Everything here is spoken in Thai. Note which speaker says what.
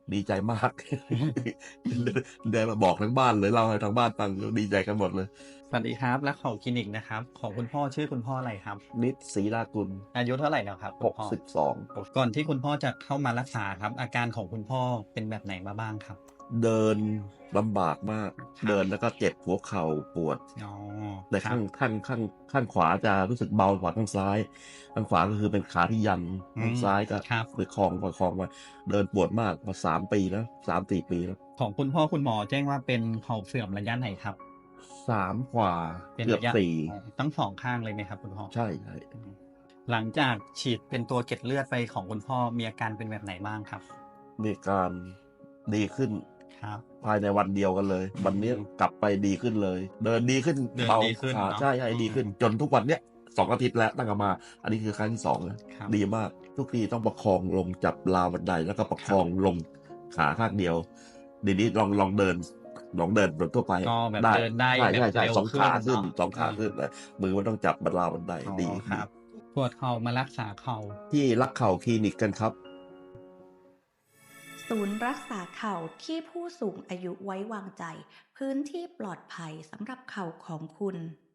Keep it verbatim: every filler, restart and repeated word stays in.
Speaker 1: ดีใจมาก ได้มาบอกทั้งบ้านเลยเล่าให้ทางบ้านฟังดีใจกันหมดเลย
Speaker 2: สวัสดีครับรักเขาคลินิกนะครับของคุณพ่อชื่อคุณพ่ออะไรครับ
Speaker 1: นิดศรีรากุล
Speaker 2: อายุเท่าไหร่แล้วครับคุณพ่อ
Speaker 1: หกสิบสอง
Speaker 2: โอ้ก่อนที่คุณพ่อจะเข้ามารักษาครับอาการของคุณพ่อเป็นแบบไหนมาบ้างครับ
Speaker 1: เดินลำบากมาก
Speaker 2: ครับ
Speaker 1: เดินแล้วก็เจ็บหัวเข่าปวด
Speaker 2: อ๋อ
Speaker 1: แต่
Speaker 2: ครับ
Speaker 1: ข้างข้างข้างข้างขวาจะรู้สึกเบากว่าข้างซ้ายข้างขวาก็คือเป็นขาที่ยัน
Speaker 2: อืม
Speaker 1: ข้างซ้ายก็
Speaker 2: ครับ
Speaker 1: ประคองประคองมาเดินปวดมากมาสามปีแล้วสามสี่ปีแล้ว
Speaker 2: ของคุณพ่อคุณหมอแจ้งว่าเป็นเข่าเสื่อมระยะไหนครับ
Speaker 1: สามกว่า
Speaker 2: เป็นระยะ
Speaker 1: เกือบสี่
Speaker 2: อ๋อทั้งสองข้างเลยไหมครับคุณพ่อ
Speaker 1: ใช่ใช่
Speaker 2: อืมหลังจากฉีดเป็นตัวเกล็ดเลือดไปของคุณพ่อมีอาการเป็นแบบไหนบ้างครับ
Speaker 1: มีการดีขึ้น
Speaker 2: ครับ
Speaker 1: ภายในวันเดียวกันเลย วันนี้
Speaker 2: อืม
Speaker 1: กลับไปดีขึ้นเลย เดินดีขึ้น
Speaker 2: เดิน
Speaker 1: เบา
Speaker 2: ดีขึ้น
Speaker 1: ขา
Speaker 2: เนาะ
Speaker 1: ใช่ใช่
Speaker 2: อืม
Speaker 1: ดีขึ้น จนทุกวันเนี้ยสองอาทิตย์แล้วตั้งแต่มา อันนี้คือครั้งที่สองแล้ว
Speaker 2: ครับ
Speaker 1: ดีมาก ทุกทีต้องประคองลงจับราวบันไดแล้วก็ประ
Speaker 2: ครับ
Speaker 1: คองลงขาข้างเดียวเดี๋ยวนี้ลองลองเดินลองเดินแบบทั่วไป
Speaker 2: ก็แบบ
Speaker 1: ได้
Speaker 2: เดินได้
Speaker 1: ใช่
Speaker 2: แบบ
Speaker 1: ใช่ใช่
Speaker 2: เร็วขึ้
Speaker 1: สองขา
Speaker 2: นเนาะ
Speaker 1: ขึ้นสอง
Speaker 2: อืม
Speaker 1: ขาขึ้นเลยมือมันต้องจับบนราวบันได
Speaker 2: อ๋อ
Speaker 1: ดีดี
Speaker 2: ครับปวดเข่ามารักษาเข่า
Speaker 1: ที่รักเข่าคลินิกกันครับ
Speaker 3: ศูนย์รักษาเข่าที่ผู้สูงอายุไว้วางใจพื้นที่ปลอดภัยสำหรับเข่าของคุณ